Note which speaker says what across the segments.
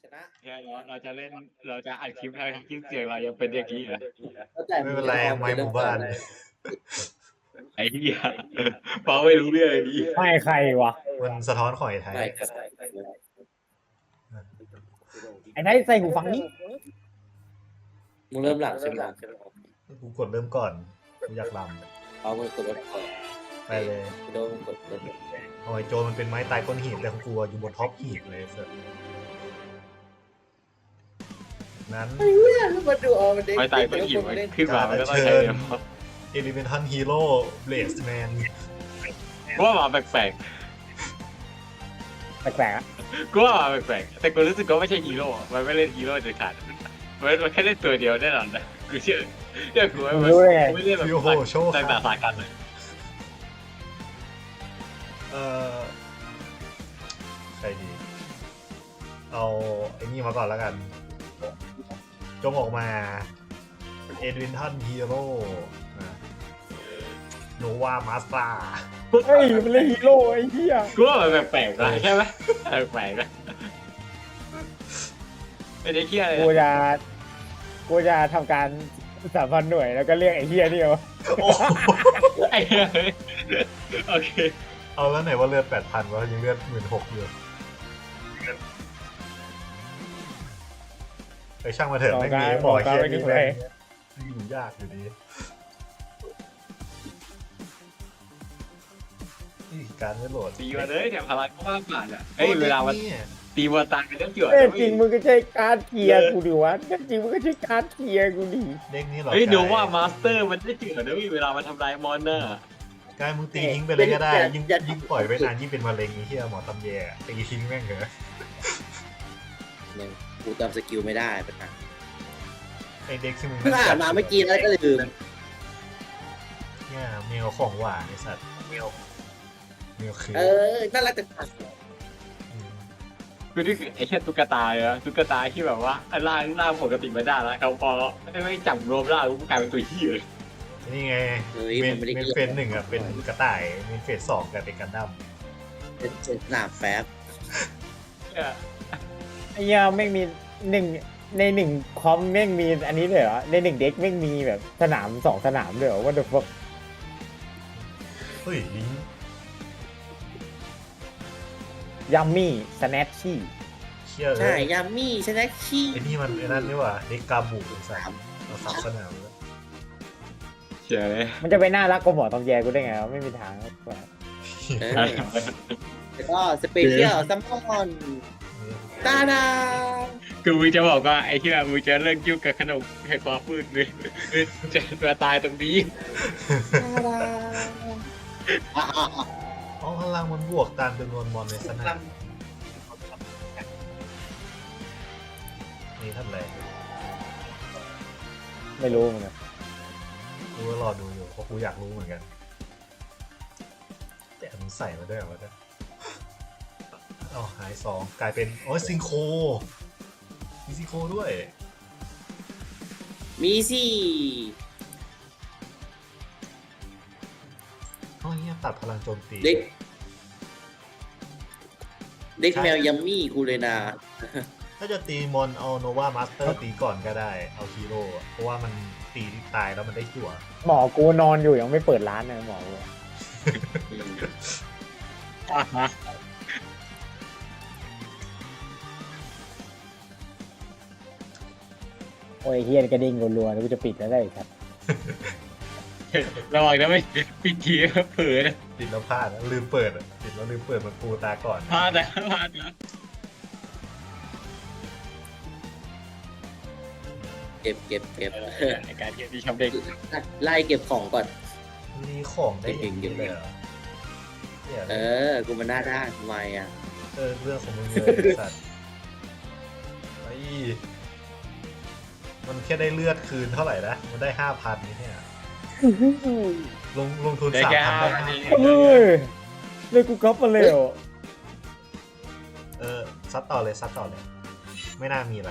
Speaker 1: นะ
Speaker 2: เนี่ยเราจะเล่นเราจะอัดคลิปให้คลิปเสียงเรายังเป็นอย่างนี้เหรอ
Speaker 3: ไม่เป็นไรไม้หมู่บ้าน
Speaker 2: ไอ้เหี้ยฟังไม่รู้เรื่องเลยดิ
Speaker 4: ไม่ใครวะ
Speaker 3: มันสะท้อนของไอ้ไทย
Speaker 1: ไม่ครับ
Speaker 4: ไอ้ไทยใส่หูฟังนี้
Speaker 1: มึงเริ่มหลังใช่ไหม
Speaker 3: กูกดเริ่มก่อนกูอยากล
Speaker 1: เอามือกดรถก่อน
Speaker 3: ำไปเลย
Speaker 1: โดนกดรถ
Speaker 3: เอาไอ้โจรมันเป็นไม้ตายก้นหีบแต่ของกูอะอยู่บนท็อปหีบเลยเสร็จนั้น
Speaker 1: มาดูเอามันเด็ก
Speaker 2: ไม่ตายก็หิวขึ้นมามันก็ต้องใช้เดียว
Speaker 3: เอลิเมนทัลฮีโร่เบลสแมน
Speaker 2: กูว่ามาแปลก
Speaker 4: แปลกๆอะ
Speaker 2: ๆกูว่ามาแปลกๆแต่กูรู้สึกว่าไม่ใช่ฮีโร่มันไม่เล่นฮีโร่เด็ดขาดมันแค่เล่นตัวเดียวแน่นอนนะกูเชื่อกูไม่
Speaker 4: รู้ได้ไง
Speaker 2: ไม่เล่นแบบ
Speaker 3: ฟิวโฮโชว์
Speaker 2: ต่างสายกันเลย
Speaker 3: ใครดี เอาไอ้นี่มาก่อนแล้วกัน จงออกมาเอดวินทันฮีโร่โนวามาสตา
Speaker 4: เฮ้ยมันเล่นฮีโร่ไอ้เหี้ย
Speaker 2: กูว่ามันแปลกๆนะใช่ไหมแปลกๆนะไม่ได้เคี้ยอะไร
Speaker 4: กูจะทำการ3,000 หน่วยแล้วก็เรียกไอ้เหี้ยนี่วะ
Speaker 2: ไอ้เหี้ยโอเค
Speaker 3: เอาแล้วไหนว่าเลือด 8,000 วะยังเลือด 16,000 อยู่ไปช่างมาเถอะไม่มีหมอเคียนี่เลยอยู่ยากอยู่ดีนี่การไม่โหลด
Speaker 2: ตีมาเลยเนี่ยพลังก็ว่าผ่านอ่ะเฮ้ยเวลามันตีวัวตายเป็นเรื่องเกี่ยว
Speaker 4: เอ้ยจริงมึงก็ใช้การเกียร์กูดิวะจริงมึงก็ใช้การเกียร์กูดิ
Speaker 3: เด็กนี่หรอ
Speaker 2: เฮ้ยดูว่ามาสเตอร์มันได้เกี่ยวด้วยเวลามันทำลายมอนเนอร์
Speaker 3: กายมึงตีทิ้งไปเลยก็ได้ยิ่งปล่อยไปนานยิ่งเป็นมะเร็งไอ้เหี้ยหมอตำแยตีทิ้งแม่งเหรอ
Speaker 1: เนี่ยกูจำสกิลไม่ได้ปัญหา
Speaker 3: ไอเด็กที่มึง
Speaker 1: เพิ่งอ่านมาเมื่อกี้แล้วก็ลืม
Speaker 3: เนี่ยแมวของหวานไอสัตว์แมวคือ
Speaker 1: น่ารักแต่
Speaker 2: คือนี่คือไอ้แค่ตุ๊กตาเลยนะตุ๊กตาที่แบบว่าร่างปกติไม่ได้แล้วเขาพอไม่จับรวมร่างแล้วกลายเป็นตัวขี้เลย
Speaker 3: นี่ไงเมนเฟส1อ่ะเป็นกระต่ายเมนเฟส2กลายเป็นกันดั้ม
Speaker 1: เป็นหนาแป๊บ
Speaker 4: ไอ้เหี้ยแม่งมีในคอมแม่งมีอันนี้เลยเหรอในเด็กแม่งมีแบบสนาม2 สนามเลยเหรอว่าเดี๋ยวพวก
Speaker 3: เฮ้ย
Speaker 4: ยัมมี่สแนชชี่
Speaker 3: เชี่ยเล
Speaker 1: ใช่
Speaker 3: ย
Speaker 1: ยามี่ชนะขี้
Speaker 3: ไอ้นี่มันไอ้นั่นนี่หว่าเด็กกาบูไอ้สัตว์เราสับสนามแล้ว
Speaker 2: เชื่อเลย
Speaker 4: มันจะไปน่ารักกว่าหมอตำแยกูได้ไงวะไม่มีทางกว่า
Speaker 1: แล้วก็สเปเชียลซัมมอนตาดา
Speaker 2: คือมึงจะบอกว่าไอ้ที่มึงจะเลิกยุ่งกับขนมแห่งความมืดเลยจะมาตายตรงนี้
Speaker 1: ตาดา
Speaker 3: อ๋อพลังมันบวกตามจำนวนมอนในสนามนี่ทำอะไร
Speaker 4: ไม่รู้เหมือนกัน
Speaker 3: กูก็รอดูอยู่เพราะกูอยากรู้เหมือนกันแต่มึงใส่มาด้วยเหรอวะเนี่ยเอาหาย2กลายเป็นโอ้ยซิงโคมีซิงโคด้วย
Speaker 1: มีสิ
Speaker 3: อ๋อเนี่ยตัดพลังโจมตี
Speaker 1: เด็กแมวยัมมี่กูเลยนะ
Speaker 3: ถ้าจะตีมอนเอาโนวามาสเตอร์ตีก่อนก็ได้เอาฮีโร่อะเพราะว่ามันตีตายแล้วมันได้จั่ว
Speaker 4: หมอกูนอนอยู่ยังไม่เปิดร้านเลยหมอกูโอ้ยเฮียนกระดิ่งรัวๆแล้วกูจะปิดแล้วได้ครับ
Speaker 2: ระวังนะไม่ปิดทีเผลอนะ
Speaker 3: ติดแล้วพลาดนะลืมเปิดอะติดแล้วลืมเปิดมันปูตาก่อน
Speaker 2: พลาดนะ
Speaker 1: เก็บ
Speaker 2: ในการเก็บที่ชอบเด็ก
Speaker 1: ไล่เก็บของก่อน
Speaker 3: มีของได้อย่างนี้เลยเหรอเนี่ย
Speaker 1: กูมันหน้าด้านทำไมอ่ะ
Speaker 3: เรื่องของมึงเลยไอ้สัตว์ไอ้มันแค่ได้เลือดคืนเท่าไหร่นะมันได้ 5,000นี่เนี่ยลงทุน
Speaker 2: ได้แค่
Speaker 3: 3,000ได้
Speaker 4: เฮ้ยเลยกูก๊อปมาเลยเหรอ
Speaker 3: ซัดต่อเลยไม่น่ามีอะไร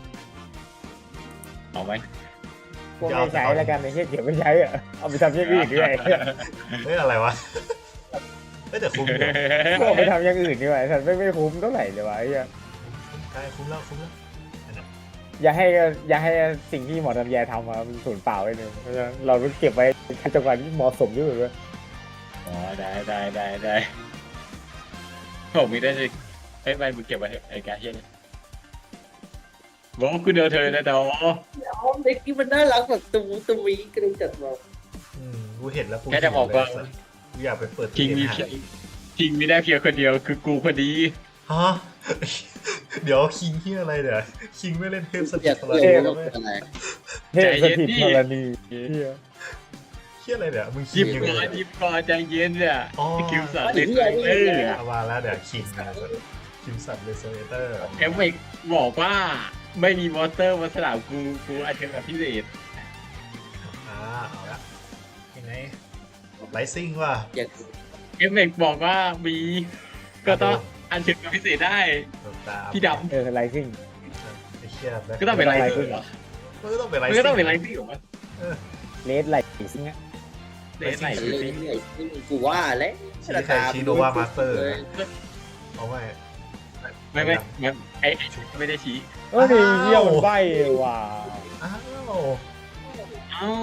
Speaker 2: เอาไหม
Speaker 4: กูไม่ใช้แล้วกันไอ้เหี้ยเก็บไม่ใช้อ่ะเอาไปทำอย่างอื่นด้วย
Speaker 3: เฮ้ยอะไรวะแต่คุ้มอยู่
Speaker 4: กูเอาไปทำอย่างอื่นดีกว่าฉันไม่คุ้มเท่าไหร่เลยวะไอ้เหี้ย
Speaker 3: กได้คุ้มแล้วคุ้มแล้วอันนั้น
Speaker 4: อย่าให้สิ่งที่หมอทำแยทำมาเป็นศูนย์เปล่าไว้หนึ่งเพราะฉะนั้นเราต้องเก็บไว้จังหวะที่เหมาะสมด้วย
Speaker 2: อ๋อได้ผมมีได้สิเฮ้ยไปมึงเก็บไว้เถอะไอ้กาเฮียเนี่ยบอกว่ากูเดินเธอนะดอ
Speaker 1: เด็กที่มันน่ารักแบบตูวีกระดูกจัดมา
Speaker 3: กูเห็นแล้วกู
Speaker 2: แค่จะบอกว่า
Speaker 3: หิเลยสัสกูอยากไปเปิด
Speaker 2: คิงมี
Speaker 3: หา
Speaker 2: คิงมีได้เพียงคนเดียวคือกูพอดี
Speaker 3: ฮะ เดี๋ยวคิงที่อะไรเดี๋ยวคิงไม่เล่นเทพส
Speaker 1: อ
Speaker 3: ถิ
Speaker 1: ยา
Speaker 3: ต
Speaker 1: ก
Speaker 3: อะไร
Speaker 1: เล่น
Speaker 3: แล้วไหม
Speaker 1: อะไร
Speaker 4: เทพสถิตธรณีเหี้ย
Speaker 3: เที่ยอะไรเดี๋ยวมึงคิ
Speaker 2: ยิ
Speaker 3: ง
Speaker 2: บ
Speaker 3: ยัง
Speaker 2: ก่อ
Speaker 3: ไง
Speaker 2: นยิบก่อนใจเย็นเนี่ย
Speaker 3: อ๋อ
Speaker 2: คิวสัตว์เลยเออ
Speaker 3: เอามาแล้วเดี๋ยวคิงนะคิมสันเรโซเอเตอร์
Speaker 2: เอฟเฟกบอกว่าไม่มีมอนสเตอร์มาสลับกูอาจจะแบบพิเศษ
Speaker 3: เอาละยังไงไลซิ่งว่ะ
Speaker 1: อยาก
Speaker 2: เอฟเฟกบอกว่ามีก็ต้องอันเชิญกับพิเศษได้
Speaker 3: ตาม
Speaker 2: พี่ดำ
Speaker 4: ไลซิ่ง
Speaker 3: ไอ้เชี่ยแบบ
Speaker 2: ก็ต้องเป็นไลซิ่งเหรอ
Speaker 3: มันก็ต้องเป็นไล
Speaker 2: มัน
Speaker 3: ซิ่ง
Speaker 2: ก็ต้องเป็นไลซิ่งเหรอวะ
Speaker 4: เลสไลซิ่งอะ
Speaker 2: เล่นไหน
Speaker 1: เล่น
Speaker 2: ซิ่ง
Speaker 1: เรื่อยๆกูว่าแล้ว
Speaker 3: ชิใครชิโนวามาสเตอร์เอาไว้
Speaker 2: ไม่ไอ้ไม่ได้ชี้
Speaker 4: เฮ้ยเหี้ยมันใบว่ะ
Speaker 3: อ้าว
Speaker 2: เอ้า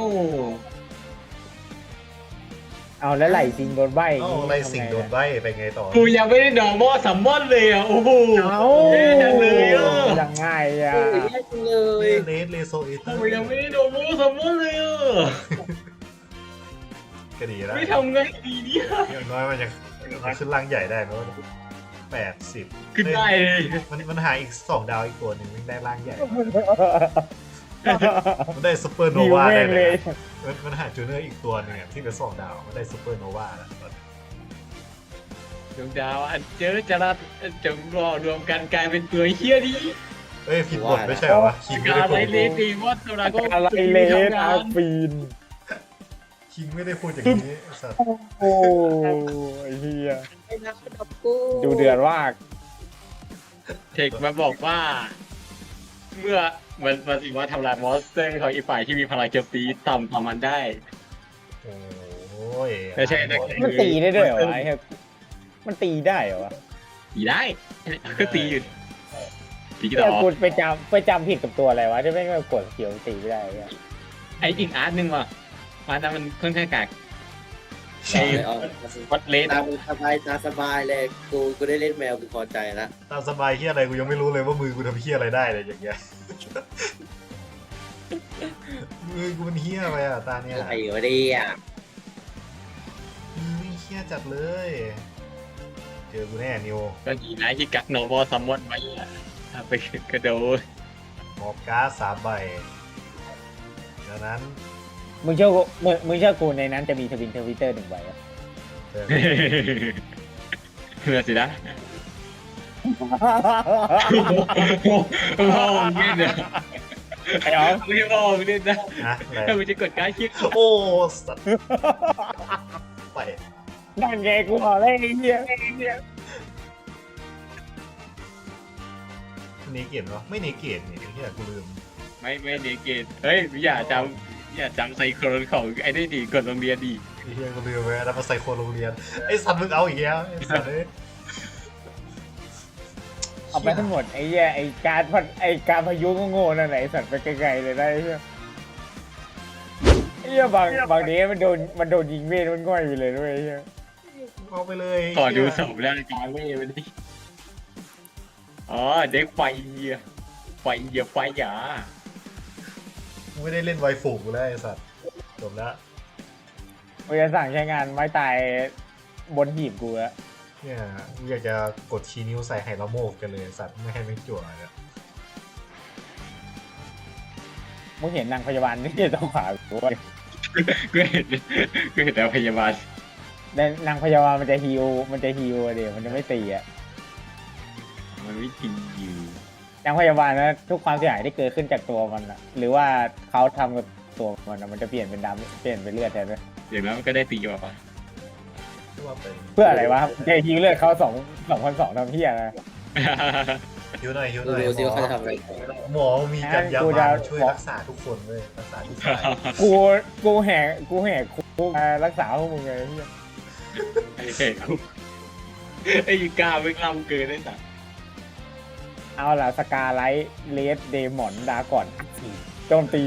Speaker 4: เอาแล้วไหลซิงโดนใบ
Speaker 3: เอ้าอะไรสิ่งโดนใบไปไงต่อ
Speaker 2: กูยังไม่ได้ดอกมอซัมมอนเลยอ่ะโอ้โห
Speaker 4: เอา
Speaker 2: จังเลยอ่ะ
Speaker 4: ยังไงอ่ะ
Speaker 1: โอ้ยแย่จังเลย
Speaker 3: เลสเลโซเอเตอ
Speaker 2: กู
Speaker 3: ร์
Speaker 2: ยังไม่ได้ดอกมอซัมมอนเลยอ่ะ
Speaker 3: ก็ดีแล้ว
Speaker 2: ไม่ทำไงดีเนี่ย
Speaker 3: อย่างน้อยมันจะขึ้นร่างใหญ่ได้ไหมว่า80
Speaker 2: ขึ้นได้เลย
Speaker 3: มันหาอีก2 ดาวอีกตัวหนึ่งมันได้ร่างใหญ่ มันได้ซูเปอร์โน
Speaker 4: ดี
Speaker 3: วา
Speaker 4: แม่
Speaker 3: ได้
Speaker 4: ง
Speaker 3: เล
Speaker 4: เลย ย
Speaker 3: มันหาจูเนอร์อีกตัวหนึงอะที่เป็น2 ดาวมันได้ซูเปอร์โนวาแล้ว
Speaker 2: ดวงดาวอันเจอจรัสจงรอรวมกันกลายเป็นตัวเฮี้ยดี
Speaker 3: เอ้ยผิดบทไม่ใช่เหรอวะคิงไม่
Speaker 2: กา
Speaker 3: ได้
Speaker 2: ร
Speaker 3: พู
Speaker 2: ไร
Speaker 3: ด
Speaker 2: เลดีมอสตัวนั้นก็
Speaker 4: อะไรเลสอาฟีน
Speaker 3: คิงไม่ได้พูดอย่างนี้ไอ้สัตว์
Speaker 4: โอ้ยเฮีย
Speaker 1: ไอ้นักดับกู
Speaker 4: ดูเดือดมาก
Speaker 2: เทคมาบอกว่า เมื่อมันสิว่าทำลายมอนสเตอร์ของอีกฝ่ายที่มีพลังโจมตีต่ำกว่ามันได้
Speaker 3: โอ้ย
Speaker 2: ไม่ใช่นะ
Speaker 4: มันตีได้ด้วยเหรอวะไอ้เหี้ยมันตีได้เหรอวะ
Speaker 2: ตีได้ก็ตีอยู่ตีกี่
Speaker 4: แต่
Speaker 2: ต่อ
Speaker 4: กูไปจำผิดกับตัวอะไรวะที่ไม่งกดสกิลตีไม่ได้เนี่ย
Speaker 2: ไออีกอาร์ตหนึ่งว่ะอาร์ตนั้นมันค่อนข้างกาก
Speaker 1: ใช่เอา
Speaker 2: วัดเลส
Speaker 1: ตาสบายเลยกูได้เล่นแมวกูพอใจแล้ว
Speaker 3: ตามสบายเฮียอะไรกูยังไม่รู้เลยว่ามือกูทำเฮียอะไรได้เลยอย่างเงี้ย มือกูมันเฮียไปอ่ะตาเนี่ย
Speaker 1: อะไรวะเนี่ย
Speaker 3: มือไม่เฮียจัดเลย เจอกูแน่นิว
Speaker 2: ก็ดีนะที่กักโนบอซัมมอนไว้อะถ้าไปกระโดด
Speaker 3: มอบการ์ด3 ใบดังนั้น
Speaker 4: มึงเชื่อกูในนั้นจะมีทวิตเตอร์1 ใบอะ
Speaker 3: เจอ
Speaker 2: เพื่อสินะพ่อมึงเล่นนะ
Speaker 4: ไอ้อ๋อ
Speaker 2: ไม่ใช่พ่อมึงเล่นนะ
Speaker 3: นะอะไร
Speaker 2: ถ้ามึงจะกดการ์ดคิด
Speaker 3: โอ้สัตว์ไป
Speaker 4: นั่นไงกูบอกเลยไอ้เหี้ย
Speaker 3: เนเกตเหรอไม่เนเกตนี่ไอ้เฮียกูลืม
Speaker 2: ไม่เนเกตเฮ้ยอย่าจำไซโครนของไอ้นี่ดีกดโรงเรียนดี
Speaker 3: ไอ้เฮียกูลืมไปแล้วมาใส่โคนโรงเรียนไอ้สัตว์มึงเอาอีกแล้วไอ้สัตว์เลย
Speaker 4: เอาไปทั้งหมดไอ้เหี้ยไอ้การพายุโง่ๆนั่นไหนสัตว์ไปไกลๆเลยได้ไอ้เหี้ยไอ้เหี้ยบางทีมันโดนยิงเวทมันง่อยอยู่เลยด้วยไอ้เหี้ย
Speaker 3: เอาไปเลย
Speaker 2: ขอดูศพแล้วการเว้ยมันดิอ๋อเด็กไฟหยา
Speaker 3: กูไม่ได้เล่นไวฟูกูแล้วไอ้สัตว์จบแล้ว
Speaker 4: กูจะสั่งใช้งานไม้ตายบนหีบกูแล้ว
Speaker 3: เนี่ยกูอยากจะกดชี้นิ้วใส่ไฮละโมกกันเลยสัตว์ไม่ให้ไม่จั่วเลย
Speaker 4: มึงเห็นนางพยาบาลที่ต้องขวากูว่า
Speaker 2: ก็เห็นแต่พยาบาล
Speaker 4: แต่นางพยาบาลมันจะฮิวเดี๋ยวมันจะไม่ตีอ่ะ
Speaker 2: มันไม่จริงอยู่
Speaker 4: นางพยาบาลนะทุกความเสียหายที่เกิดขึ้นจากตัวมันอะหรือว่าเขาทำกับตัวมันอะมันจะเปลี่ยนเป็นดำเปลี่ยนเป็นเลือดแทนเลย
Speaker 2: อย่างนั้นมันก็ได้ตีมาป่ะ
Speaker 3: ว่าเป็น
Speaker 4: เพื่ออะไรวะจะฮิวเลือดเขา2,200ทำเพี้ยนะ
Speaker 3: ฮิวหน่อย
Speaker 1: ดูซิว่าเขาจะทำอะไรต่อ
Speaker 3: หมอมีกันยามาช่วยรักษาทุกคนเลยรักษาทุกฝ่าย
Speaker 4: กูแหกคุกมารักษาพวกมึงไงเหี้ย
Speaker 2: ไอ้กล้าไม่กล้าเกินได้สัก
Speaker 4: เอาล่ะสกาไลท์เลสเดมอนดาก่อนโจมตี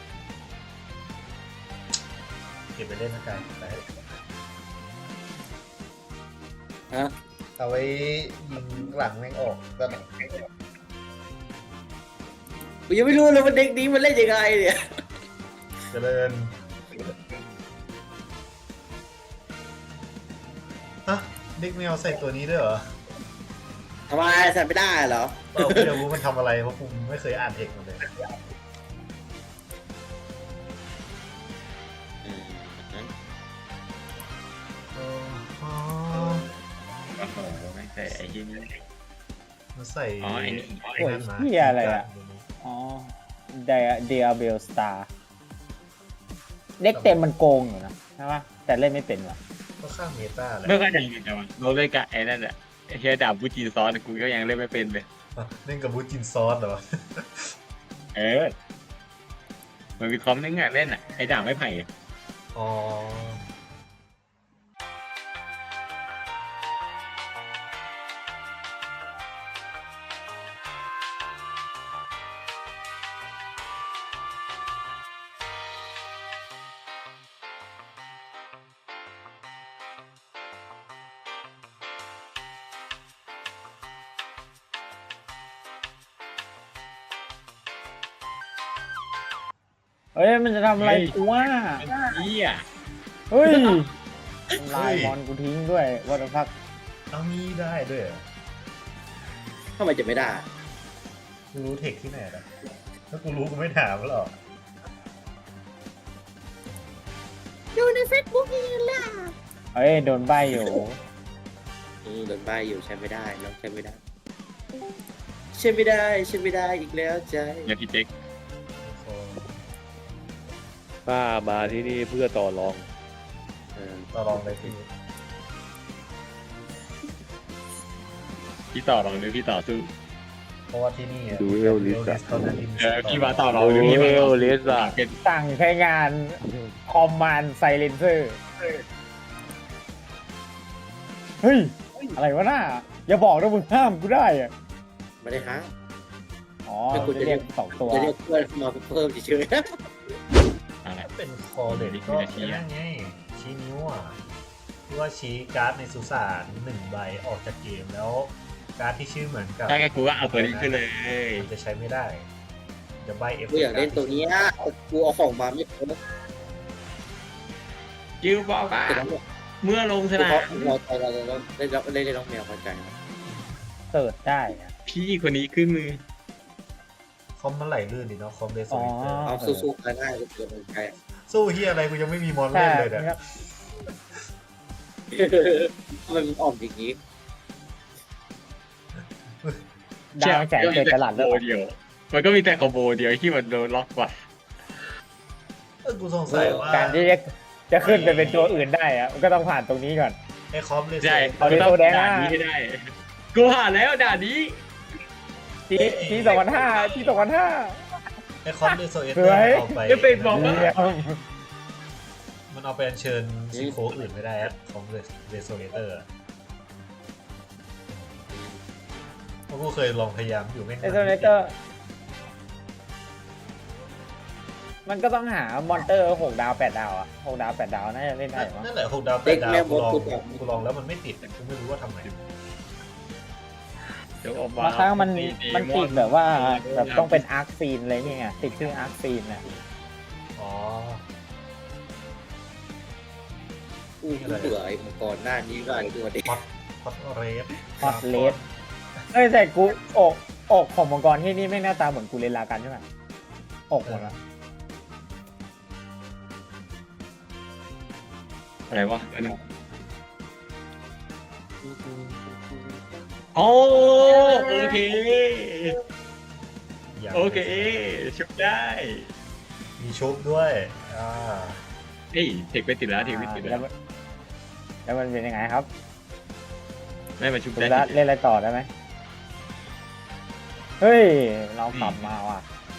Speaker 3: เก็บไปเล่นนะกายไป
Speaker 1: ฮะ
Speaker 3: เอาไว้ยิงหลังแม่งออกก็
Speaker 1: กูยังไม่รู้เลยว่าเด็กนี้มันเล่นยังไงเนี่ย
Speaker 3: เจริญฮะเด็กแมวใส่ตัวนี้ด้วยเหรอ
Speaker 1: ทำไมใส่ไม่ได้เหรอ
Speaker 3: เราไม่รู้มันทำอะไรเพราะผมไม่เคยอ่านเทคมันเลย อ๋อ
Speaker 2: โอ้โหไม่ใช่ไอ้ที่นี่
Speaker 3: มันใส่
Speaker 2: อ๋อไอ้นี่
Speaker 3: ไอ้นั่นมา
Speaker 4: โอ้ยเหี้ยอะไรอะ อ๋อเดียเบลสตาร์เด็กเต็มมันโกงอยู่นะใช่ปะแต่เล่นไม่เป็นว่ะ
Speaker 3: ก็ข้างเมตาแหละ
Speaker 2: เมื่อก็ยังอยู่แต่ว่าเราเล่นกับไอ้นั่นแหละไอ้เฮียดาบบูจีซอสกูก็ยังเล่นไม่เป็นเลย
Speaker 3: เล่นกับบูจินซอสเหรอ
Speaker 2: เออมันมีคอมนึงอ่ะเล่นอ่ะไอ้ดาบไม่ไผ่อะ
Speaker 3: อ๋อ
Speaker 4: เฮ้ยมันจะทำอะไรกูว่า
Speaker 2: เฮีย
Speaker 4: เฮ้ยทำลายมอนกูทิ้งด้วยวัตพัก
Speaker 3: เอามีได้ด้วยเหรอ
Speaker 1: ทำไมจะไม่ได้
Speaker 3: กูรู้เทคที่ไหนล่ะถ้ากูรู้กูไม่ถามหรอก
Speaker 1: ดูในเฟซบุ๊กยังล่ะ
Speaker 4: เฮ้ยโดนใบอยู่
Speaker 1: โดนใบอยู่ใช้ไม่ได้น้องใช้ไม่ได้ใช้ไม่ได้ใช้ไม่ได้อีกแล้วใจ
Speaker 2: อย่าพี่เจ๊ก
Speaker 5: ข้ามาที่นี่เพื่อต่อรอง
Speaker 1: เออ
Speaker 3: ต่อรองเลยพี่
Speaker 2: พี่ต่อรองหรือพี่ต่อสู้
Speaker 3: เพราะว่าที่นี่อะ
Speaker 5: ดูเอลลิสอะ
Speaker 3: เท่านั้นที่มี
Speaker 2: พี่มาต่อรอง
Speaker 5: โอ้
Speaker 2: หรือพี่มาต่อ
Speaker 5: เลสอะ
Speaker 2: เป็น
Speaker 4: สั่งใช้งานคอมมานด์ไซเลนเซอร์เฮ้ย อะไรวะน่าอย่าบอกนะมึงห้ามกูได้อะ
Speaker 1: ไม่ได้ฮะ
Speaker 4: อ๋อ
Speaker 1: ไม่กู
Speaker 4: จะ
Speaker 1: จะ
Speaker 4: เรี
Speaker 1: เรี
Speaker 4: ย
Speaker 1: ย
Speaker 4: ก
Speaker 1: ก
Speaker 4: สองตัว
Speaker 1: จะเรียกเพื่อนมาเพิ่มเฉย
Speaker 2: อะไร
Speaker 3: ถ้าเป็นคอเลดก็นั่นไงชี้นิ้วอ่ะที่ว่าชี้การ์ดในสุสาน1 ใบออกจากเกมแล้ว การ์ดที่ชื่อเหมือนกับ
Speaker 2: ถ้าแกกูก็เอาตัวนี้ขึ้นเลย
Speaker 3: มันจะใช้ไม่ได้ จะใบเอฟ
Speaker 1: ๆกูอยากเล่นตัวเนี้ยกูเอาของมาไม่ครบ
Speaker 2: จิวบอกว่า
Speaker 1: แต่น้องบอก
Speaker 2: เมื่อลงส
Speaker 1: กู
Speaker 2: นา
Speaker 1: เขา
Speaker 2: ม
Speaker 1: เราใจเราเล่นน้องแมวพอใจนะ
Speaker 4: เสิร์ชได้อะ
Speaker 2: พี่คนนี้ขึ้นมือ
Speaker 3: คอมมันไหลลื่นดิเนาะคอมเดโซ
Speaker 4: อ๋อ
Speaker 3: ลิเตอร์
Speaker 1: เอาสู้ๆกันได้กูเกิดเป็นใจ
Speaker 3: สู้เฮียอะไรกูยังไม่มีมอน
Speaker 4: ใช่
Speaker 3: เล่นเลยเนี่ย
Speaker 4: ครับ
Speaker 1: มันออกอย่างนี้
Speaker 4: ดาวแสงเกิดตลาด
Speaker 2: โบ
Speaker 4: แล้ว
Speaker 2: เดียว มันก็มีแต่คอมโบเดียวที่มันโดนล็อกกว่า
Speaker 3: กูสงสัยว่า
Speaker 4: การที่จะขึ้นไปเป็นตัวอื่นได้อะมันก็ต้องผ่านตรงนี้ก่อน
Speaker 3: ไอ้คอมเดโซ
Speaker 2: ใช่
Speaker 4: เอาดิ
Speaker 2: ต้อง
Speaker 4: ตัวแดง
Speaker 2: ด่าน
Speaker 4: อะ
Speaker 2: นี้ให้ได้ กูผ่านแล้วด่านนี้
Speaker 4: ที่2005ที่2005
Speaker 3: ไอ้คอมเดโซเอเต
Speaker 4: ส
Speaker 3: อ
Speaker 4: วย
Speaker 3: ร์เอาไป
Speaker 2: จะไปบอกว่า
Speaker 4: เยี่ยม
Speaker 3: มันเอาไปอัญเชิญซิโคอื่นไม่ได้อะของเดโซเอเตอร์เพราะกูเคยลองพยายามอยู่ไม่
Speaker 4: ไอโซเนเตอร์มันก็ต้องหามอนเตอร์6 ดาว 8 ดาวอะ6 ดาว 8 ดาวน่าจะเล่นได้มั้ง
Speaker 3: นั่นแหละ6 ดาว
Speaker 1: เด็ก
Speaker 3: 8 ดาว
Speaker 1: แม่
Speaker 3: กู
Speaker 1: มด
Speaker 3: ลอง
Speaker 1: กูบอก
Speaker 3: กูลองแล้วมันไม่ติดกูไม่รู้ว่าทำไม
Speaker 2: เดี๋ยวออกมา
Speaker 4: บางครั้งมันติดแบบว่า
Speaker 2: ดี
Speaker 4: แบบต้องเป็นอาร์คซีนอะไรเนี่ยไงติดชื่ออาร์คซีนน่ะ
Speaker 3: อ๋อ
Speaker 1: กูเบื่อไอ้มังกรหน้านี้ว่าตัวเด็ก
Speaker 3: ฮอตเรส
Speaker 4: ฮอตเลสเอ้ยแต่กูอกของมังกรที่นี่ไม่หน้าตาเหมือนกูเลนลากันใช่ไหมอกหมดละ
Speaker 2: อะไรวะอันนั้นโอ้โอเค โอเค ชุบได้
Speaker 3: มีชุบด้วยา
Speaker 2: เฮ้ยเทคไปติดแล้วเทคไปติด
Speaker 4: แล้
Speaker 2: แล้ว ว
Speaker 4: แล้วมันเป็นยังไงครับ
Speaker 2: ได้มาชุบ
Speaker 4: คุณ
Speaker 2: ได้
Speaker 4: ละเล่นอะไรต่อได้ไหมเฮ้ยเรากลับมาว่ะ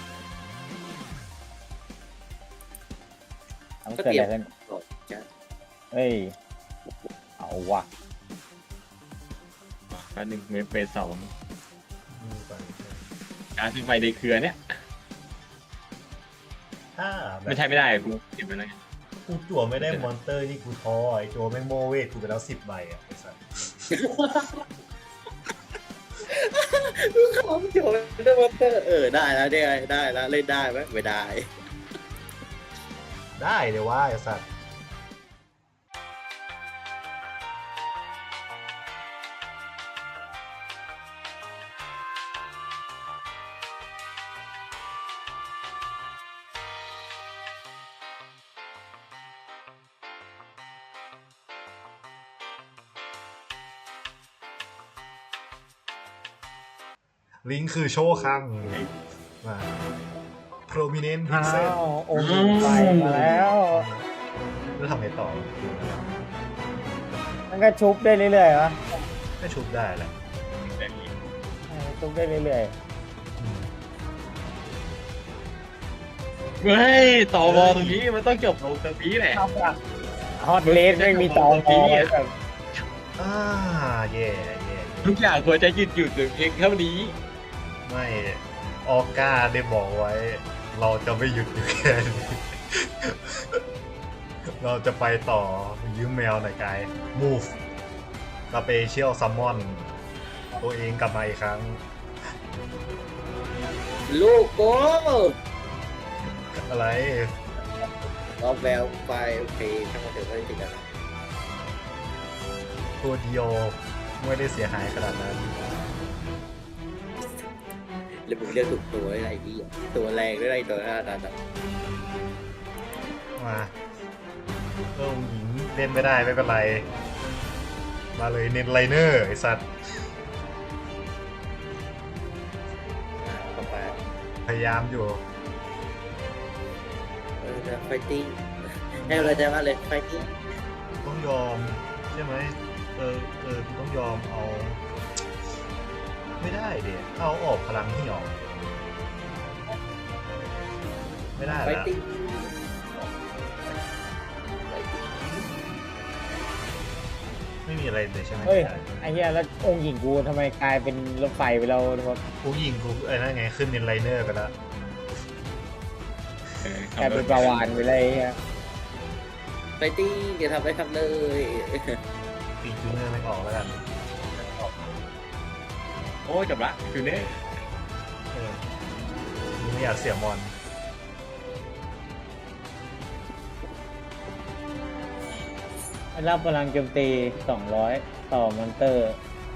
Speaker 4: มัน
Speaker 1: ก็
Speaker 4: เกิด
Speaker 1: เตรีย
Speaker 4: อะ
Speaker 1: ม
Speaker 4: ไรขึ้น
Speaker 1: จะ
Speaker 4: เฮ้ยเอาว่ะ
Speaker 2: อันหนึ่งเมตรเฟสสอง
Speaker 3: ดูก่อน
Speaker 2: การซื้อไฟในเครือเนี่ย
Speaker 3: ถ้าแบบ
Speaker 2: ไม่ใช่ไม่ได้กูเก็บไว้แล้วไง
Speaker 3: กูจั่วไม่ได้มอนเตอร์นี่กูท้อไอ้โจแม่งโมเวทกูไปแล้ว10 ใบอ่ะไอ้สัส
Speaker 1: ของโจนเดอร์มอนเตอร์ได้แล้วได้แล้วเล่นได้ไหมไม่ได้
Speaker 3: ได้เลยว่าไอ้สัส ลิงก์คือโชว์คังมา prominent
Speaker 4: อ้า
Speaker 3: pixel
Speaker 4: วองค์หญิงไปมาแล้ว
Speaker 3: แล้วทำไงต่อ
Speaker 4: มันก็ชุบได้เรื่อยๆวะ
Speaker 3: ก็ชุบได้แหละ
Speaker 4: ชุบได้เรื่อย
Speaker 2: เฮ้ยต่อวอลตรงนี้มันต้องจบลงตรงนี้แหละ
Speaker 4: ๆฮอตเลสไม่มีตอมอแบบ
Speaker 3: อ่าแย่แย่
Speaker 2: ทุกอย่างควรจะหยุดถึงเพียงเท่านี้
Speaker 3: ไม่ออก้าได้บอกไว้ เราจะไม่หยุดอยู่แค่นี้ เราจะไปต่อยืมแมวหน่อยกาย move special summon ตัวเองกลับมาอีกครั้ง
Speaker 1: ลูกโก้
Speaker 3: อะไร
Speaker 1: เอาแววไปโอเคทั้งหมดเดี๋ยวไม่ได้ติดกัน
Speaker 3: ตัวเดียวไม่ได้เสียหายขนาดนั้น
Speaker 1: แล้วผมเรียกถูกตัวอะไรดีตัวแรงหรืออะไรตัวนั้น
Speaker 3: มาหญิงเล่นไม่ได้ไม่เป็นไร มาเลยเน้นไลเนอร์ไอสัตว์
Speaker 1: เข้าไป
Speaker 3: พยายามอยู่
Speaker 1: ไฟติ้งให้เราใจมากเลยไฟติ้ง
Speaker 3: ต้องยอมใช่ไหมต้องยอมเอา ไม่ได้เดี๋ยเอาออกพลังที่ออกไม่ได้
Speaker 1: ไฟ
Speaker 3: ละ
Speaker 1: ติ้ง
Speaker 3: ไม่มีอะไรเลยใช่ไหม
Speaker 4: เฮ้ยไอ้เหี้ยแล้วองค์หญิงกูทำไมกลายเป็นรถไฟไปแล้วทุกคน
Speaker 3: กูยิงกูไอ้นั่นไงขึ้นเป็นไลเนอร์ไปแล้ว
Speaker 4: กลายเป็นปลาวานไปเลยไอ้เหี้ย
Speaker 1: ไฟติ้งอย่าทำได้ทำเลย
Speaker 3: ตีจูเนอร์ไม่ออกแล้วกัน
Speaker 2: โอ้ยจบละคือเนี่ย
Speaker 3: เออกูไม่อยากเสียมอน
Speaker 4: รับพลังโจมตี 200 ต่อมอนเตอร์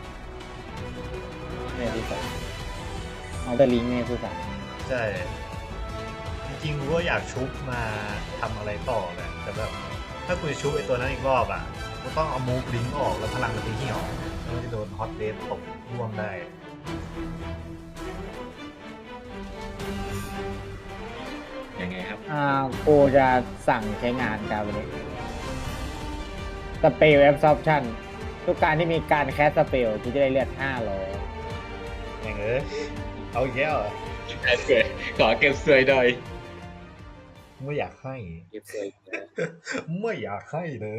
Speaker 4: เนี่ยที่สองเอาแต่ลิงก์เนี่ยคือสาม
Speaker 3: ใช่ จริงๆกูก็อยากชุบมาทำอะไรต่อแหละแต่แบบถ้ากูจะชุบไอ้ตัวนั้นอีกรอบอ่ะกูต้องเอามูฟลิงก์ออกแล้วพลังมันจะเหี่ยวแล้วมันจะโดนฮอตเวฟตกร่วงได้
Speaker 2: ยังไงครับ
Speaker 4: กูจะสั่งใช้งานการวันนี้สเปลแอปซอปชั่นทุกการที่มีการแคสสเปลกูจะได้เลือด500
Speaker 3: อย่างเอาอีกแล้วเหรอ
Speaker 2: สวยขอเก็บสวยหน่อย
Speaker 3: ไม่อยากให้
Speaker 1: เก็บสวย
Speaker 3: ไม่อยากให้เลย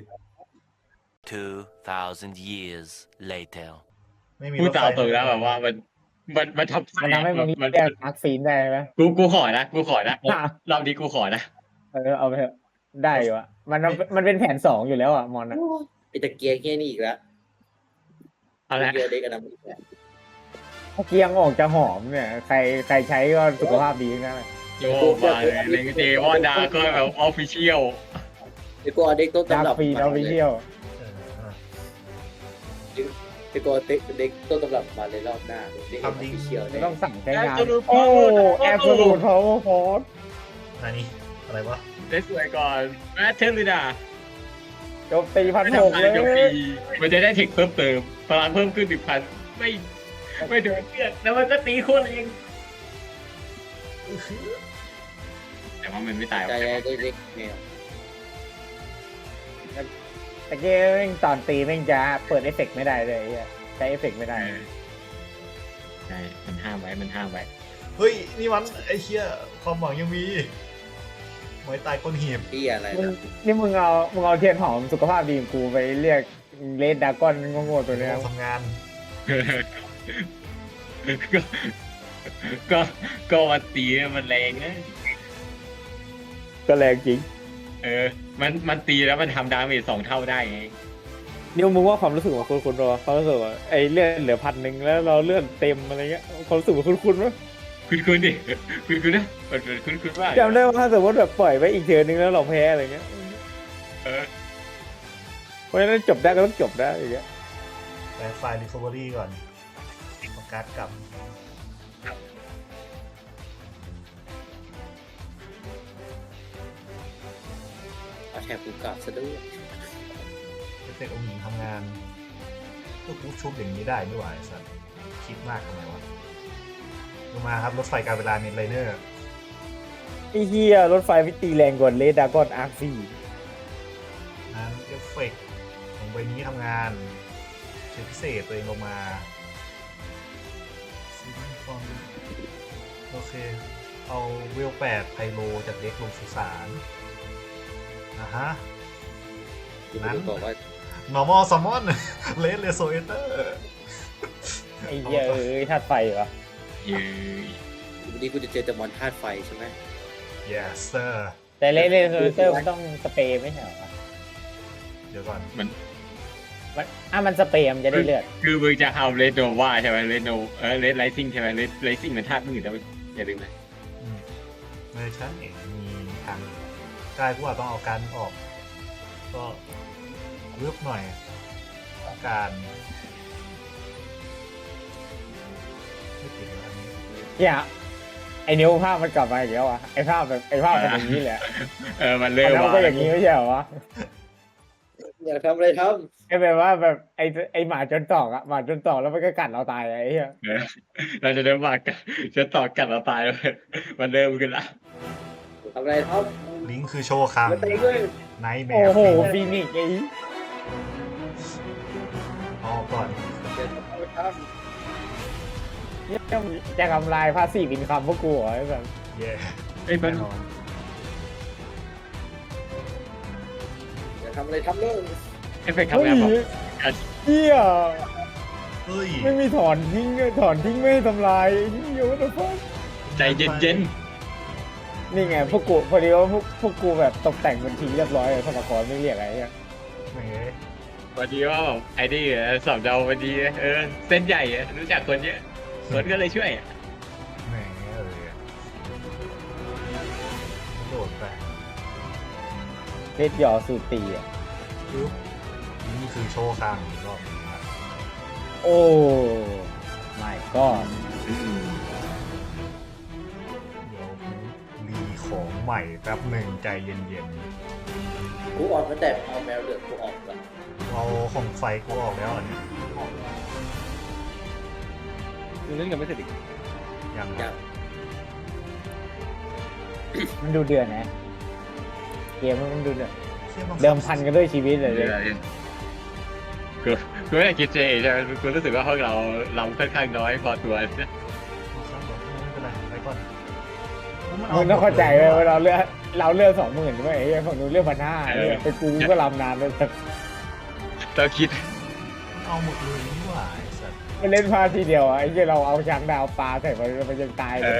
Speaker 6: 2,000 years later.
Speaker 3: ไม่มี
Speaker 2: พูด
Speaker 3: รถไฟ
Speaker 2: ตามตรงแล้วแบบว่ามันทำ
Speaker 4: มันทำให้มึง
Speaker 2: มัน
Speaker 4: เรียกอาร์คฟีนได้ไหม
Speaker 2: กูขอนะรอบนี้กูขอนะ
Speaker 4: เอาไปเถอะได้อยู่อะมันเป็นแผน 2อยู่แล้วอะมอนอะ
Speaker 1: ไอตะเกียงแค่นี้อีกแล้ว
Speaker 2: เอาละ
Speaker 1: เกียร์เด็กกันนะ
Speaker 4: ถ้าเกียงออกจะหอมเนี่ยใครใช้ก็สุขภาพดีนั่นแหละ
Speaker 2: โยมาเลยเลงเจวอนดาก็แบบออฟฟิเชียล
Speaker 1: ไอกูเอาเด็กต้น
Speaker 4: ดา
Speaker 1: ตำรับ
Speaker 4: ร์ฟีนเอาไปเที่ยว
Speaker 1: ไอกูเอาเด็กต้นตำรับมาเลยรอบหน้าเด็กออฟฟิเชียล
Speaker 4: ไม่
Speaker 1: ได้
Speaker 4: ต้องสั่งใช้งาน
Speaker 2: Absolute
Speaker 4: โอ้
Speaker 2: Power
Speaker 4: แอบสูตรพาวเวอร์ฟอร์ส
Speaker 3: อันนี้อะไรวะ
Speaker 2: ได้สวยก่อนแมทเทลลิดา
Speaker 4: โจมตีพัน
Speaker 2: ไม่
Speaker 4: ห
Speaker 2: ทำ
Speaker 4: ก
Speaker 2: อะ
Speaker 4: เล
Speaker 2: ไร
Speaker 4: ย
Speaker 2: กับปีมันจะได้เทคเพิ่มเติมพลังเพิ่มขึ้น1,000ไม่โดนเลือดแล้วมันก็ตีโคตรเองแต่ว่ามันไม่ตาย
Speaker 1: ใจเด็กเนี่ย
Speaker 4: ตะเกียงตอนตีแม่งจะเปิดเอฟเฟกต์ไม่ได้เลยไอ้เหี้ยใช้เอฟเฟกต์ไม่ได้
Speaker 2: ใช่มันห้ามไว้
Speaker 3: เฮ้ยนี่มันไอ้เชี่ยความหวังยังมีไม้ตายก้นหีบ
Speaker 1: พี่อะไร
Speaker 4: มึง
Speaker 1: นะ
Speaker 4: นี่มึงเอาเทียนหอมสุขภาพดีของกูไปเรียกเลดดากอนโง่ๆตัวเนี้ย
Speaker 3: ทำงาน
Speaker 2: ก็ก็ก็มันตีมันแรงนะ
Speaker 4: ก็แรงจริง
Speaker 2: มันตีแล้วมันทำดาเมจ2 เท่าได้ไง
Speaker 4: นิวมึงว่าความรู้สึกของคุณรอความรู้สึกว่าไอ้เลื่อนเหลือ1,000แล้วเราเลื่อนเต็มอะไรเงี้ยความรู้สึกของคุณไหม
Speaker 2: คุณดิคุณนะมันคุณว่า
Speaker 4: จำได้ว่าถ้าสมมติแบบปล่อยไว้อีกเทิร์นนึงแล้วเราแพ้อะไรเงี้ย
Speaker 2: เออ
Speaker 4: เพราะฉะนั้นจบได้ก็ต้องจบได้อย่างเงี้ย
Speaker 3: แต่ไฟล์ recovery ก่อนเอาการ์ดกลับ
Speaker 1: เอาแถบกูกลับซะด้วย
Speaker 3: เอฟเฟกต์องค์หญิงทำงานก็กูชุบอย่างนี้ได้ไม่ไหวสัตว์คิดมากทำไมวะลงมาครับรถไฟการเวลาเน็ตไลเนอร์
Speaker 4: ไอ้เหี้ยรถไฟไม่ตีแรงกว่าเลดากอนอาร์ซี
Speaker 3: นั้นเอฟเฟกต์ของใบนี้ทำงานเชิญพิเศษตัวเองลงมาโอเค เอาเวล8ไพโลจากเด็กลงสุสานฮะ
Speaker 1: กูไม่รู้บอกว่า
Speaker 3: normal summon red resonator
Speaker 4: ไอ้เหี้ยธาตุไฟวะ
Speaker 2: เย้ย
Speaker 1: วันนี้กูจะเจอแต่มอนธาตุไฟใช่ไหม
Speaker 3: yes sir
Speaker 4: แต่เลเซอร์มันต้องสเปรย์ไม่ใช่เหรอวะ
Speaker 3: เดี๋ยวก่อน
Speaker 2: มัน
Speaker 4: มันสเปรย์มันจะได้เลือด
Speaker 2: คือมึงจะเอาเลดโนวาใช่ไหมเลดโนเลดไลซิ่งใช่ไหมเลดซิ่งมันธาตุมืดแต่อย่าลืมนะ
Speaker 3: เมอร์ชันเองมีทางกายกูอาจต้องเอาการออก ก็เลือกหน่อยต้องการไม่ติดแล้วอันนี้
Speaker 4: เนี่ยไอ้นิ้วภาพมันกลับมาอีกแล้วอ่ะไอ้ภาพแบบไอ้ภาพเป็นอย่างนี้แหละ
Speaker 2: มันเริ่ม
Speaker 4: แล้วมัน
Speaker 2: ว่า
Speaker 4: ก็อย่างนี้ไม่ใช่เหรอวะ
Speaker 1: อยากทำอะไรท
Speaker 4: ไอ้แบบว่าแบบไอ้หมาจนตอกอะหมาจนตอกแล้วมันก็กัดเราตายอะไอ้เหี้ย
Speaker 2: เราจะเริ่มว่ากันจะต่อกันเราตายแล้วมันเริ่มขึ้นละ
Speaker 1: ำทำอะไรท
Speaker 3: ลิงก์คือโชว์คัง
Speaker 1: ำมาตีด้วย
Speaker 3: ไนท์แม
Speaker 4: โอ้
Speaker 3: ร์
Speaker 4: โหฟีนิกซ์ไอ้
Speaker 3: ออกก่อน
Speaker 1: เดี๋ยวทำอะไรท
Speaker 4: เหี้ยจะทำลายภาษีบินคำพวกกูเหรอไอ้แบบ
Speaker 3: เย่
Speaker 2: เอ้ยมัน
Speaker 3: แน่นอน
Speaker 1: ำอยากทำอะไรทำเลย
Speaker 2: เอฟเฟกต์ทำงานแบบ
Speaker 4: เหี้ย
Speaker 3: เฮ้ย
Speaker 4: ไม่มีถอนทิ้งไม่ให้ทำลายไอ้เหี้ยวัตถุฟัง
Speaker 2: ใจเย็น
Speaker 4: นี่ไงพวกกูพอดีว่าพวกกูแบบตกแต่งบัญชีเรียบร้อยเลยสมัครไม่เรียกอะไรเงี้ย
Speaker 3: แหม
Speaker 2: ๆพอดีว่าไอ้นี่สอบเดาพอดีเส้นใหญ่รู้จักคนเยอะคนก็เลยช่วย
Speaker 3: แหมโดดไป
Speaker 4: เพชรหยอสูตรตีอ่ะ
Speaker 3: ปึ๊บนี่คือโชว์คังอีกรอบหนึงครับ
Speaker 4: โอ้ไม่ก็
Speaker 3: เดี๋ยวรีของใหม่แป๊บหนึ่งใจเย็น
Speaker 1: กูออกมาแต่เอาแมวเหลืองกูออกละ
Speaker 3: ๆเอาของไฟกูออกแล้วอันนี้
Speaker 5: คือเล่นกันไม่เสร็จอีก
Speaker 3: ยัง
Speaker 1: อยาก
Speaker 4: มันดูเดือดนะเกมมันดูเดือด
Speaker 3: เชื่อมั้ง
Speaker 4: เดิมพันกันด้วยชีวิตเลย
Speaker 2: กูไม่ได้คิดเจใช่ไหมกูรู้สึกว่าพวกเราค่อนข้างน้อยพอตัว
Speaker 3: ไม่เป็นไรไปก่อน
Speaker 4: มึงต้องเข้าใจเลยว่าเราเลือก20,000ใช่ไหมไอ้เหี้ยฝั่งนู้นเลือก1,500เป็นกูก็ลำนานเลยแต่
Speaker 2: ต้องคิด
Speaker 3: เอาหมดเลยนี่หว่าไอ้สัตว์
Speaker 4: มันเล่นพลาดทีเดียวอ่ะไอ้เหี้ยเราเอาช้างดาวปลาใส่มันยังตายเลย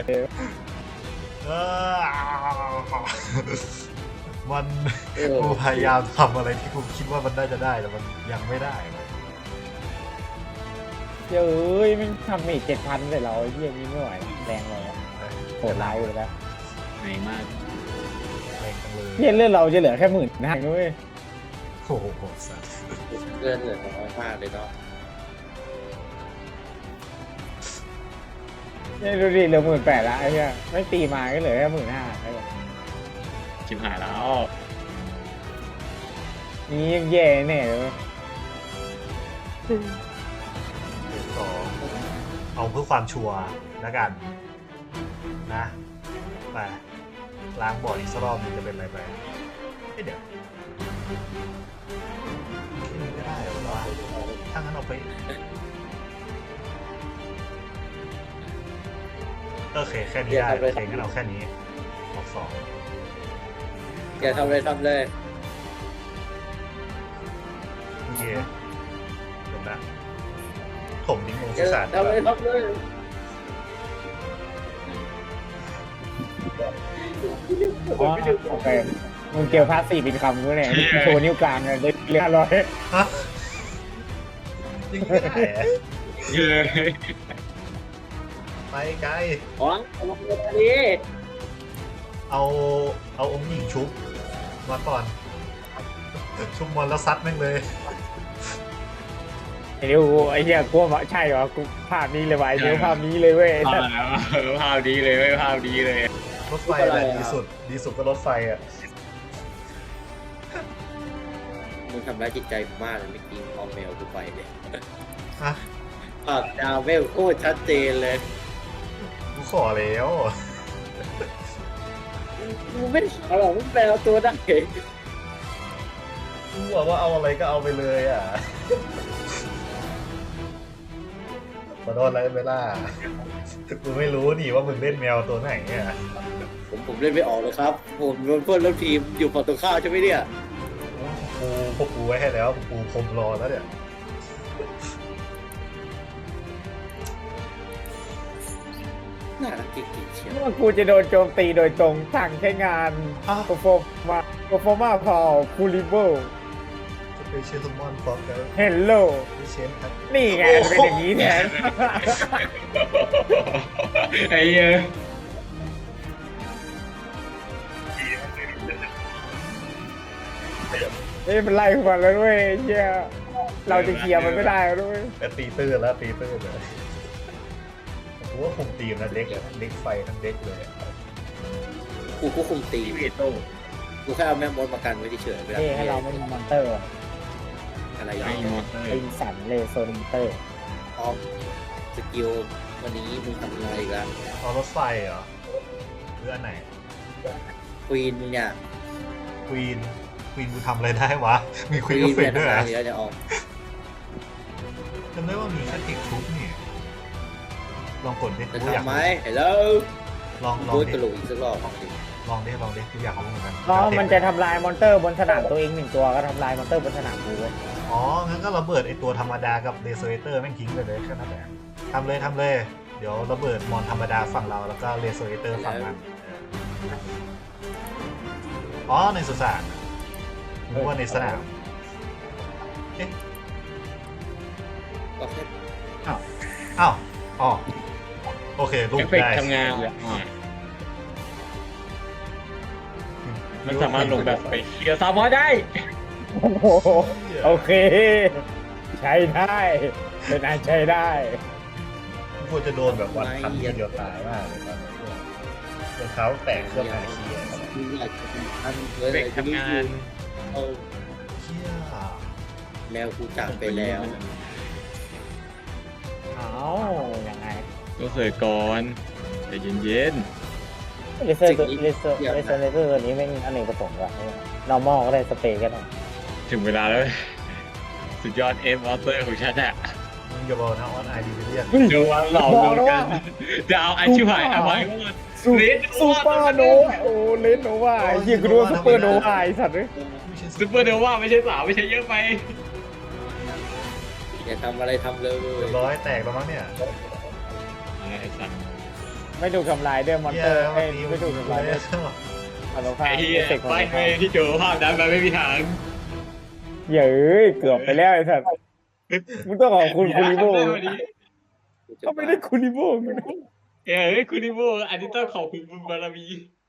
Speaker 3: มัน
Speaker 1: เออ
Speaker 3: กูพยายามทำอะไรที่กูคิดว่ามันน่าจะได้แต่มันยังไม่ได้เลย
Speaker 4: เฮ้ยมันทำเมจ7,000ใส่เราไอ้เหี้ยนี้ไม่ไหวแรงเลยอะโหดร้ายเลยนะ
Speaker 2: เหนื่อยมาก
Speaker 3: แรงจังเลย
Speaker 4: เหี้ยเลือดเราจะเหลือแค่15,000ด้วย
Speaker 3: โอ้โหสัตว์
Speaker 1: เลื่อนเหลือน้อยมากเลยเนาะ
Speaker 4: เนี่ยดูดิเหลือ18,000ละไอ้เหี้ยไม่ตีมาก็เหลือแค่15,000ไอ้แบบ
Speaker 2: ชิบหายแล้ว
Speaker 4: นี้ยังแย่แน่เลย
Speaker 3: เดี๋ยวต่อเอาเพื่อความชัวร์แล้วกันนะไปล้างบอร์ดอีกสักรอบหนึงจะเป็นอะไรไปเอ้ยเดี๋ยวแค่นี้ก็ได้เหรอวะถ้างั้นเอาไปโอเคแค่นี้ได้โอเคงั้นเอาแค่นี้ออก2
Speaker 1: อยากทำอะไรทำเลย
Speaker 3: โอเคจบละถมดิ้งลง
Speaker 1: อ
Speaker 3: สุ
Speaker 1: ยาก
Speaker 3: สาน
Speaker 1: ทำอะไรทำเลย
Speaker 4: อ๋อโอเคมึงเจอพาสซีฟเป็นคำกูเนี่ยมึงโชว์นิ้วกลางเลยได้เรียบร้อย
Speaker 3: ฮะยังไม่ได้อะ
Speaker 2: เย้ย
Speaker 3: ไปไกล
Speaker 1: อ๋อเอามาเลยอันนี้
Speaker 3: เอาองค์หญิงชุบมาก่อนชุบมอนแล้วซัดแม่งเลย
Speaker 4: ไอ้นิวไอ้เหี้ยกลัวว่าใช่เหรอกูภาพนี้เลยว่ะไอ้นิวภาพนี้เลยเว้ย
Speaker 2: ภาพแล้วภาพดีเลยไม่ภาพดีเลย
Speaker 3: รถไฟอะไรดีสุดก็รถไฟอ่ะ
Speaker 1: มึงทำร้ายจิตใจกูมากเลยเมื่อกี้เอาแมวกูไปเนี่ย
Speaker 3: ฮะ
Speaker 1: ภาพดาวเวลโคตรชัดเจนเลย
Speaker 3: กูขอแล้ว
Speaker 1: กูไม่ได้ขอหรอกมึงแปลตัวได้
Speaker 3: กูบอกว่าเอาอะไรก็เอาไปเลยอ่ะขอโทษอะไรเวลากูไม่รู้นี่ว่ามึงเล่นแมวตัวไหนเนี่ย
Speaker 1: ผมเล่นไม่ออกเลยครับ ผมโดนเพื่อนร่วมทีมอยู่ฝั่งตรงข้ามใช่ไหมเนี่ย
Speaker 3: พวกกูไว้ให้แล้วพวกกูคมรอแล้วเนี่ย
Speaker 1: น่ารักจริงๆเชียว
Speaker 4: ว่ากูจะโดนโจมตีโดยตรงสั่งใช้งานโปรโฟมาพอคูลิเบิล
Speaker 3: จะไปเชียร์ทุกมอนพร้อมกัน
Speaker 4: เฮลโล
Speaker 3: ไปเชียร์ครับ
Speaker 4: นี่ไงเป็นอย่างนี้แทน
Speaker 2: ไอ้เหี้ย
Speaker 4: นี่มันไล่ขวัญแล้วด้วยเฮียเราจะเคลียร์มันไม่ได้แล้วด้วย
Speaker 3: แต่ตีตื้นแล้วตีตื้นเลยกูว่าคุมทีมนะเด็กไฟทั้งเด็กเลยอะ
Speaker 1: กูก็คุมตี
Speaker 2: เวโต้
Speaker 1: กูแค่เอาแม่มดมากันไว้เฉยๆเวลา
Speaker 4: นี่ให้เราไม่มีมอนเตอร์
Speaker 1: อะไรอย่าง
Speaker 2: ไม่
Speaker 1: เงี้
Speaker 2: ม
Speaker 1: ย
Speaker 2: อนเตอ
Speaker 4: ไอ้
Speaker 2: ร์
Speaker 4: สันเลโซนมอนเตอร์
Speaker 1: ออมสกิลวันนี้มึงทำอะไรอีกัน
Speaker 3: เอารถไฟเหรอหรืออันไหน
Speaker 1: ควีนมึงเนี่ย
Speaker 3: ควีนกูทำอะไรได้วะ มีควีน
Speaker 1: ค
Speaker 3: ก็
Speaker 1: วีน
Speaker 3: เฟ
Speaker 1: เป็
Speaker 3: ด
Speaker 1: น
Speaker 3: ด้วย
Speaker 1: ท
Speaker 3: เหร
Speaker 1: หาร
Speaker 3: อ
Speaker 1: เดี๋ยวจะออก
Speaker 3: จำได้ว่ามีแค่ติกทุบนี่ลองกดดิ
Speaker 1: จะ
Speaker 3: กูอยาก
Speaker 1: ทำไหมเห็นแล้ว
Speaker 3: ลอง
Speaker 1: พูด
Speaker 3: ดิ
Speaker 1: กระโหลกอีกสักรอบสิ
Speaker 3: ลองดิกูอยากเอาเหมือนกัน
Speaker 4: อ๋อมันจะทำลายมอนเตอร์บนสนามตัวเองหนึ่งตัวก็ทำลายมอนเตอร์บนสนามกูเว้ย
Speaker 3: อ๋องั้นก็ระเบิดไอตัวธรรมดากับเดโซเอเตอร์แม่งทิ้งไปเลยแค่นั้นแหละทำเลย เดี๋ยวระเบิดมอนธรรมดาฝั่งเราแล้วก็เดโซเอเตอร์ฝั่งมันอ๋อในสุสานนึกว่าในสนามเอ๊ะ
Speaker 1: ก็แค่
Speaker 3: อ้าวอ๋อโอเคลู
Speaker 2: เอก ฟเฟก
Speaker 3: ได้
Speaker 2: ต์ทำงานเลยมันสามารถลงแบบไปเคลียร์ซามอได้
Speaker 4: โอ้โหโอเค ใช้ได้เป็นอันใช้ได้
Speaker 3: ควรจะโดนแบบวันพันทีเดียวตายมากเลยตอนนี้รองเท้าแตกเครื่องอาคีอะ
Speaker 1: มึงอยากจะเป็นอัน
Speaker 2: เอฟเฟกต์ทำงาน
Speaker 1: เอา
Speaker 3: เชี่ย
Speaker 1: แมวกูจากไปแล้ว
Speaker 4: เอายังไง
Speaker 2: ก็เสยก่อนใจเย็น
Speaker 4: เลเซอร์ตัวนี้แม่งอเนกประสงค์ว่ะ normal ก็ได้สเปรย์ก็ได้
Speaker 2: ๆถึงเวลาแล้ว สุดยอดเอฟมอเตอร์ของฉันอะ
Speaker 3: มึงอย่าบอกนะออนไอดีเรียน
Speaker 2: ดูว่าเราดูกันจะเอาไอชิวหายเอาไว้ก่อน
Speaker 4: ซูเปอร์โนวาโอ้เลนโนวาไอ้เหี้ยกูดูว่าซูเปอร์โนวาไอ้สัตว์เลย
Speaker 3: ไม่ใช่
Speaker 2: ซูเปอร์เดว่าไม่ใช่สาวไม่ใช่เยอะไป
Speaker 1: อย่าทำอะไรทำเลย
Speaker 3: เรียบร้อยแตกแล้วมั้งเนี่ย
Speaker 2: ไอ้สัตว์
Speaker 4: ไม่ถูกทำลายด้วยมอน
Speaker 3: เหี้
Speaker 4: เต
Speaker 3: ย
Speaker 4: อร์
Speaker 3: วันนี้
Speaker 4: ไม่ถูกทำลายด้วยอนุภา
Speaker 2: ไอ้
Speaker 4: พ
Speaker 2: ที่
Speaker 4: เอฟเฟกต์ของ
Speaker 2: ไป
Speaker 4: อนุภาพ
Speaker 2: ที่เจอภาพนั้นมันไม่มีทาง
Speaker 4: เย้ยเกือบไปแล้วไอ้สัตว์มึงต้องขอบคุณคูริโบถ้าไม่ได้คูริโบมึง
Speaker 2: เอ้ยคุณนิโมอันนี้ต้องขอบคุณบุญบารมี